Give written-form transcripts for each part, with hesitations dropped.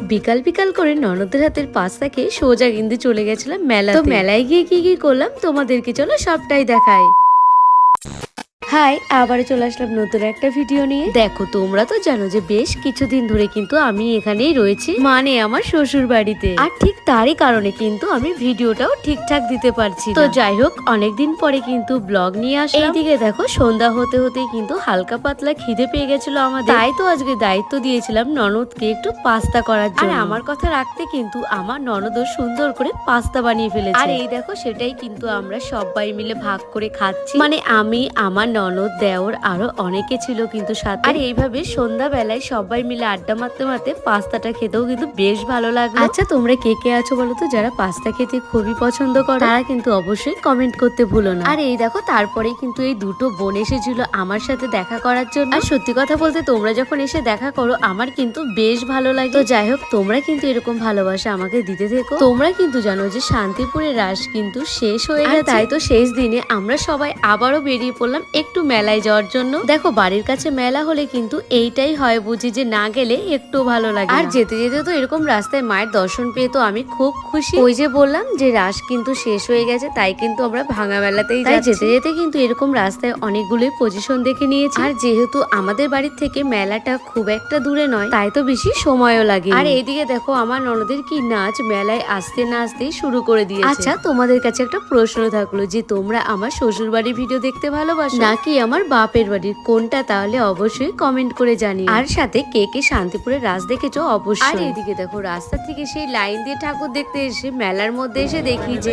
বিকাল বিকাল করে ননদের হাতের পাস্তা খেয়ে সোজা কিন্তু চলে গেছিলাম মেলাতে। তো মেলায় গিয়ে কি কি করলাম তোমাদেরকে চলো সবটাই দেখাই। হাই, আবার চলে আসলাম নতুন একটা ভিডিও নিয়ে। দেখো, তোমরা তো জানো যে বেশ কিছুদিন ধরে কিন্তু আমি এখানেই রয়েছি, মানে আমার শ্বশুর বাড়িতে। আর ঠিক তারই কারণে কিন্তু আমি ভিডিওটাও ঠিকঠাক দিতে পারছি। তো যাই হোক, অনেকদিন পরে কিন্তু ব্লগ নিয়ে আসলাম। এইদিকে দেখো, সন্ধ্যা হতে হতেই কিন্তু হালকা পাতলা খিদে পেয়ে গেছিল আমাদের। তাই তো আজকে দায়িত্ব দিয়েছিলাম ননদকে একটু পাস্তা করার জন্য। আর আমার কথা রাখতে কিন্তু আমার ননদও সুন্দর করে পাস্তা বানিয়ে ফেলেছে। আর এই দেখো, সেটাই কিন্তু আমরা সবাই মিলে ভাগ করে খাচ্ছি। মানে আমি, আমার ননদ, দেওর, আরো অনেকে ছিল কিন্তু সাথে। আর এইভাবে সন্ধ্যা বেলায় সবাই মিলে আড্ডা মারতে মারতে পাস্তাটা খেতেও কিন্তু বেশ ভালো লাগলো। আচ্ছা, তোমরা কে কে আছো বলো তো যারা পাস্তা খেতে খুবই পছন্দ করো? তারা কিন্তু অবশ্যই কমেন্ট করতে ভুলো না। আর এই দেখো, তারপরে কিন্তু এই দুটো বোন এসেছিল আমার সাথে দেখা করার জন্য। আর সত্যি কথা বলতে, তোমরা যখন এসে দেখা করো আমার কিন্তু বেশ ভালো লাগে। তো যাই হোক, তোমরা কিন্তু এরকম ভালোবাসা আমাকে দিতে থেকো। তোমরা কিন্তু জানো যে শান্তিপুরের রাস কিন্তু শেষ হয়ে গেছে। তাই তো শেষ দিনে আমরা সবাই আবারও বেরিয়ে পড়লাম একটু মেলায় যাওয়ার জন্য। দেখো, বাড়ির কাছে মেলা হলে কিন্তু এইটাই হয় বুঝি যে না গেলে একটু ভালো লাগে। আর যেতে যেতে তো এরকম রাস্তায় মায়ের দর্শন পেয়ে তো আমি খুব খুশি। ওই যে বললাম যে রাস কিন্তু শেষ হয়ে গেছে, তাই কিন্তু আমরা ভাঙা মেলাতেই যাই। যেতে যেতে কিন্তু এরকম রাস্তায় অনেকগুলোই পজিশন দেখে নিয়েছি। আর যেহেতু আমাদের বাড়ির থেকে মেলাটা খুব একটা দূরে নয়, তাই তো বেশি সময়ও লাগে। আর এইদিকে দেখো, আমার ননদের কি নাচ মেলায় আসতে না আসতেই শুরু করে দিয়েছে। আচ্ছা, তোমাদের কাছে একটা প্রশ্ন থাকলো যে তোমরা আমার শ্বশুর বাড়ির ভিডিও দেখতে ভালোবাসো নাকি আমার বাপের বাড়ির, কোনটা? তাহলে অবশ্যই কমেন্ট করে জানিও। আর সাথে কে কে শান্তিপুরের রাস দেখেছো অবশ্যই। আর এদিকে দেখো, রাস্তা থেকে সেই লাইন দিয়ে ঠাকুর দেখতে এসে মেলার মধ্যে এসে দেখি যে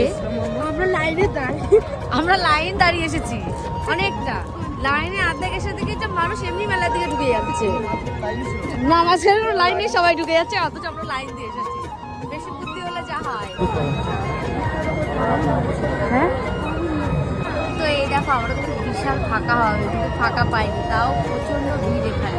আমরা লাইন দাঁড়িয়ে এসেছি অনেকটা। লাইনে আর্ধেক এসে দেখি যে মানুষ এমনি মেলার দিকে ঢুকে যাচ্ছে। নামাজের লাইনে সবাই ঢুকে যাচ্ছে, অথচ আমরা লাইন দিয়ে এসেছি। বেশি বুদ্ধি হলে যা হয়। হ্যাঁ, তো এই দেখো, আমরা তো বিশাল ফাঁকা হবে, কিন্তু ফাঁকা পাইনি, তাও প্রচন্ড ভিড় এখানে।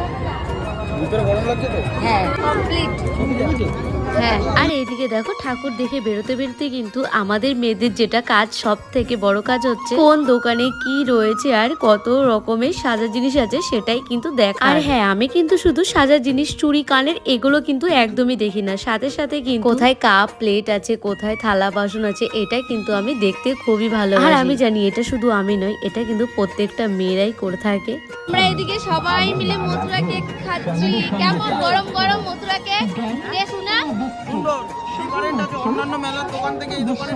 হ্যাঁ, কমপ্লিট। হ্যাঁ। আর এইদিকে দেখো, ঠাকুর দেখে বেরোতে বেরোতে কিন্তু আমাদের মেয়েদের যেটা কাজ, সব থেকে বড় কাজ হচ্ছে কোন দোকানে কি রয়েছে আর কত রকমের সাজা জিনিস আছে সেটাই কিন্তু দেখা। আর হ্যাঁ, আমি কিন্তু শুধু সাজা জিনিস, চুড়ি, কানের, এগুলো কিন্তু একদমই দেখি না। সাথে সাথে কিন্তু কোথায় কাপ প্লেট আছে, কোথায় থালা বাসন আছে, এটা কিন্তু আমি দেখতে খুবই ভালো। আর আমি জানি এটা শুধু আমি নয়, এটা কিন্তু প্রত্যেকটা মেয়েরাই করে থাকে। আমরা এদিকে সবাই মিলে মথুরা কেক খাচ্ছি। কেমন গরম গরম মথুরা কেক, দেখুন না? অন্যান্য মেলার দোকান থেকে এই দোকানে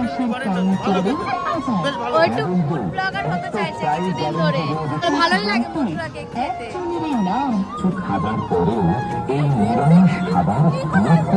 ও একটু ফুড ব্লগার হতে চাইছে কিছুদিন ধরে। ভালোই লাগে মথুরা কেক খেতে।